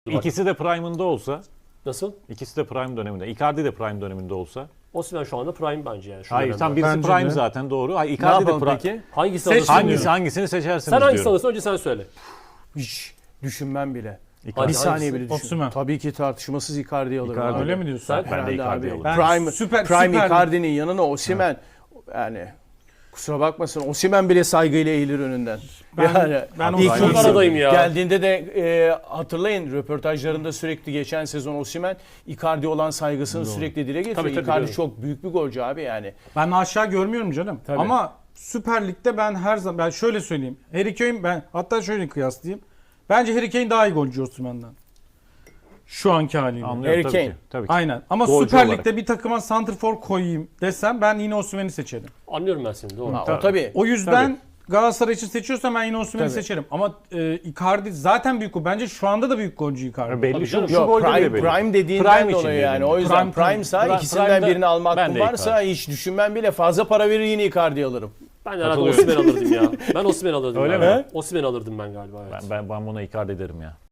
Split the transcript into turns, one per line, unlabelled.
İkisi de prime'ında olsa,
Nasıl?
ikisi de prime döneminde, Icardi de prime döneminde olsa.
Osimhen şu anda prime bence yani. Şu
Hayır,
dönemde.
tam birisi
Bence
prime
de.
zaten doğru. Hayır,
Ne
Icardi de
yapalım
prime.
peki?
Hangisi
Seç
alırsın?
Hangisini seçersiniz
Sen hangisini
diyorum.
alırsın önce sen söyle.
Hiç düşünmem bile.
Icardi.
Bir saniye
hangisi?
bile düşün.
Osimhen.
Tabii ki tartışmasız Icardi'yi alırım.
Icardi.
abi.
Öyle mi diyorsun?
Sen-
Ben de
Herhalde
Icardi
abi.
alırım.
Ben
Prime,
süper-
Prime
süper-
Icardi'nin yanına Osimhen yani kusura bakmasın Osimhen bile saygıyla eğilir önünden.
ben
ilk
Osimhen
ilk
aradayım ya.
Geldiğinde de hatırlayın röportajlarında sürekli geçen sezon Osimhen Icardi olan saygısını sürekli dile getiriyor.
Tabii,
Icardi
biliyorum.
çok büyük bir golcü abi yani.
Ben aşağı görmüyorum canım.
Tabii.
Ama Süper Lig'de ben her zaman ben şöyle söyleyeyim. Harry Kane ben hatta şöyle kıyaslayayım. Bence Harry Kane daha iyi golcü Osimhen'den. Şu anki haliyle.
Anlıyorum
Harry
tabii
Kane.
ki. Tabii ki.
Aynen. Ama
Golcü
Süper
olarak.
Lig'de bir takıma santrfor koyayım desem ben yine Osimhen'i seçerim.
Anlıyorum ben seni doğru.
Ha, o tabii.
O yüzden Galatasaray için seçiyorsam ben yine Osimhen'i
Tabii.
seçerim. Ama Icardi zaten büyük gol. Bence şu anda da büyük golcü Icardi.
Belli
Tabii
şu,
canım.
şu
Yok,
golde bile
prime,
belli.
prime dediğinden
Prime için
dolayı yani.
dedim.
O yüzden
Prime,
prime'sa
prime-
ikisinden
prime'da
birini alma
ben
hakkım
de
varsa
Icardi.
hiç düşünmem bile fazla para verir yine Icardi alırım.
Ben herhalde
Katılıyorum.
Osimhen alırdım ya. Ben Osimhen alırdım.
Öyle
galiba.
mi?
Osimhen alırdım ben galiba evet.
Ben buna Icardi derim ya.